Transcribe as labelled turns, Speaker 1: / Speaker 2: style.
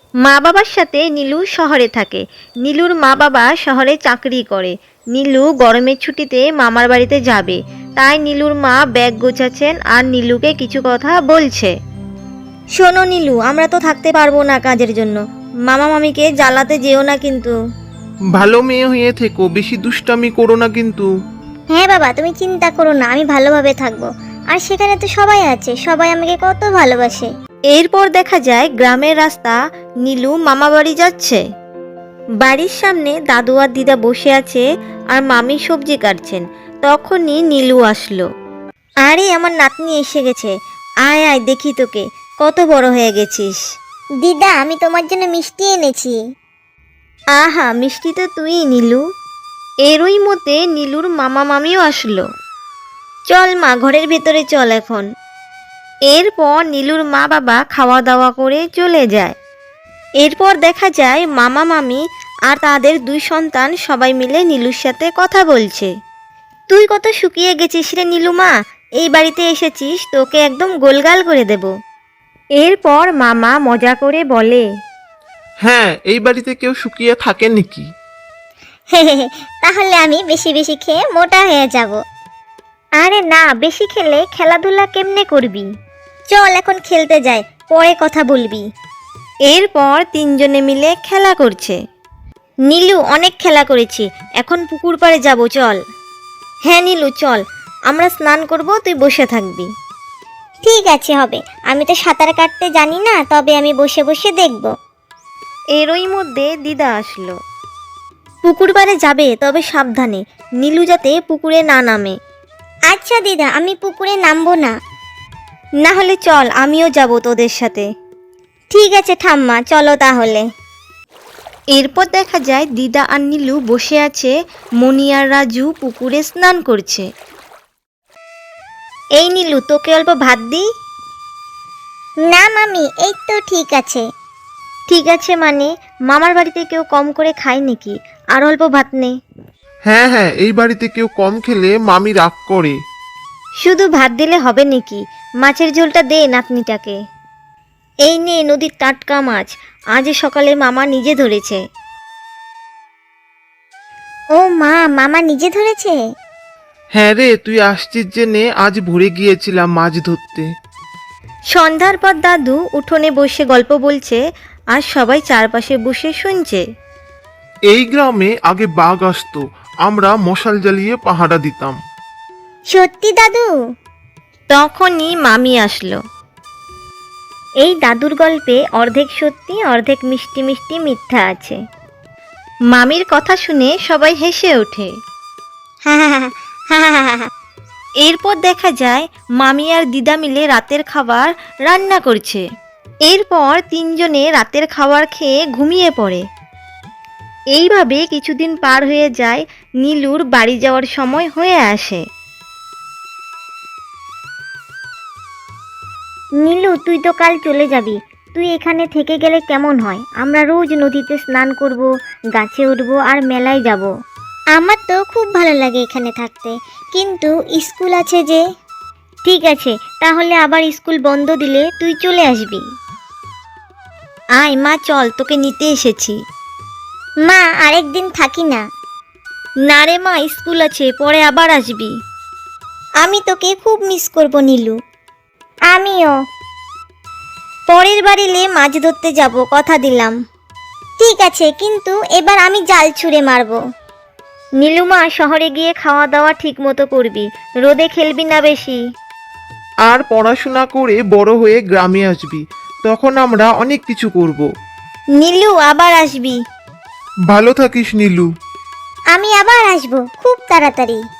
Speaker 1: মা বাবার সাথে নীলু শহরে থাকে। নীলুর মা বাবা শহরে চাকরি করে। নীলু গরমের ছুটিতে মামার বাড়িতে যাবে, তাই নীলুর মা ব্যাগ গোছাচ্ছেন আর নীলুকে কিছু কথা বলছে। শোনো নীলু, আমরা তো থাকতে পারবো না কাজের জন্য। মামা মামিকে জ্বালাতে যেও না কিন্তু।
Speaker 2: ভালো মেয়ে হয়ে থেকো, বেশি দুষ্টামি করো না কিন্তু।
Speaker 3: হ্যাঁ বাবা, তুমি চিন্তা করো না, আমি ভালোভাবে থাকবো। আর সেখানে তো সবাই আছে, সবাই আমাকে কত ভালোবাসে।
Speaker 1: এরপর দেখা যায় গ্রামের রাস্তা, নীলু মামা বাড়ি যাচ্ছে। বাড়ির সামনে দাদু আর দিদা বসে আছে আর মামি সবজি কাটছেন। তখনই নীলু আসলো। আরে আমার নাতনি এসে গেছে, আয় আয় দেখি তোকে, কত বড় হয়ে গেছিস।
Speaker 3: দিদা, আমি তোমার জন্য মিষ্টি এনেছি।
Speaker 1: আহা, মিষ্টি তো তুই নীলু। এরই মধ্যে নীলুর মামা মামিও আসলো। চল মা, ঘরের ভেতরে চল এখন। এরপর নীলুর মা বাবা খাওয়া দাওয়া করে চলে যায়। এরপর দেখা যায় মামা মামি আর তাদের দুই সন্তান সবাই মিলে নীলুর সাথে কথা বলছে। তুই কত শুকিয়ে গেছিস রে নীলু মা, এই বাড়িতে এসেছিস, তোকে একদম গোলগাল করে দেব। এরপর মামা মজা করে বলে,
Speaker 2: হ্যাঁ, এই বাড়িতে কেউ শুকিয়ে থাকে নাকি?
Speaker 3: তাহলে আমি বেশি বেশি খেয়ে মোটা হয়ে যাব।
Speaker 1: আরে না, বেশি খেলে খেলাধুলা কেমনে করবি?
Speaker 3: চল এখন খেলতে যাই, পরে কথা বলবি।
Speaker 1: এরপর তিনজনে মিলে খেলা করছে। নীলু, অনেক খেলা করেছি, এখন পুকুর পাড়ে যাব, চল। হ্যাঁ নীলু চল, আমরা স্নান করব, তুই বসে থাকবি।
Speaker 3: ঠিক আছে, হবে। আমি তো সাঁতার কাটতে জানি না, তবে আমি বসে বসে দেখব।
Speaker 1: এরই মধ্যে দিদা আসলো। পুকুর পাড়ে যাবে, তবে সাবধানে, নীলু যাতে পুকুরে না নামে।
Speaker 3: আচ্ছা দিদা, আমি পুকুরে নামবো না।
Speaker 1: না হলে চল, আমিও যাব তোদের সাথে।
Speaker 3: ঠিক আছে ঠাম্মা, চলো তাহলে।
Speaker 1: এরপর দেখা যায় দিদা আর নীলু বসে আছে, মণি আর রাজু পুকুরে স্নান করছে। এই নীলু, তোকে অল্প ভাত দিই?
Speaker 3: না মামি, এই তো ঠিক আছে।
Speaker 1: ঠিক আছে মানে, মামার বাড়িতে কেউ কম করে খায় নাকি? আর অল্প ভাত নে।
Speaker 2: হ্যাঁ হ্যাঁ, এই বাড়িতে কেউ কম খেলে মামি রাগ করে।
Speaker 1: শুধু ভাত দিলে হবে নাকি? মাছের ঝোলটা দে নাতনিটাকে। এই নে নদীর টাটকা মাছ, আজ সকালে মামা নিজে ধরেছে।
Speaker 3: ও মা, মামা নিজে ধরেছে?
Speaker 2: হ্যাঁ রে, তুই আসছিস জেনে আজ ভরে গিয়েছিলাম মাছ ধরতে।
Speaker 1: সন্ধ্যার পর দাদু উঠোনে বসে গল্প বলছে আর সবাই চারপাশে বসে শুনছে।
Speaker 2: এই গ্রামে আগে বাঘ আসতো, আমরা মশাল জ্বালিয়ে পাহারা দিতাম।
Speaker 3: সত্যি দাদু?
Speaker 1: তখনই মামি আসলো। এই দাদুর গল্পে অর্ধেক সত্যি অর্ধেক মিষ্টি মিষ্টি মিথ্যা আছে। মামির কথা শুনে সবাই হেসে ওঠে।
Speaker 3: হা হা হা হা হা হা হা।
Speaker 1: এরপর দেখা যায় মামি আর দিদা মিলে রাতের খাবার রান্না করছে। এরপর তিনজনে রাতের খাবার খেয়ে ঘুমিয়ে পড়ে। এইভাবে কিছুদিন পার হয়ে যায়, নীলুর বাড়ি যাওয়ার সময় হয়ে আসে।
Speaker 3: নীলু, তুই তো কাল চলে যাবি, তুই এখানে থেকে গেলে কেমন হয়? আমরা রোজ নদীতে স্নান করব, গাছে উঠবো আর মেলায় যাব। আমার তো খুব ভালো লাগে এখানে থাকতে, কিন্তু স্কুল আছে যে।
Speaker 1: ঠিক আছে, তাহলে আবার স্কুল বন্ধ দিলে তুই চলে আসবি। আয় মা, চল, তোকে নিতে এসেছি।
Speaker 3: মা, আরেকদিন থাকি না।
Speaker 1: না রে মা, স্কুল আছে, পরে আবার আসবি।
Speaker 3: আমি তোকে খুব মিস করব নীলু। আমিও।
Speaker 1: পরের বার এলে মাছ ধরতে যাব, কথা দিলাম।
Speaker 3: ঠিক আছে, কিন্তু এবার আমি জাল ছুঁড়ে মারবো।
Speaker 1: নীলুমা, শহরে গিয়ে খাওয়া দাওয়া ঠিক মতো করবি, রোদে খেলবি না বেশি।
Speaker 2: আর পড়াশোনা করে বড় হয়ে গ্রামে আসবি, তখন আমরা অনেক কিছু করব।
Speaker 1: নীলু, আবার আসবি।
Speaker 2: ভালো থাকিস নীলু।
Speaker 3: আমি আবার আসবো খুব তাড়াতাড়ি।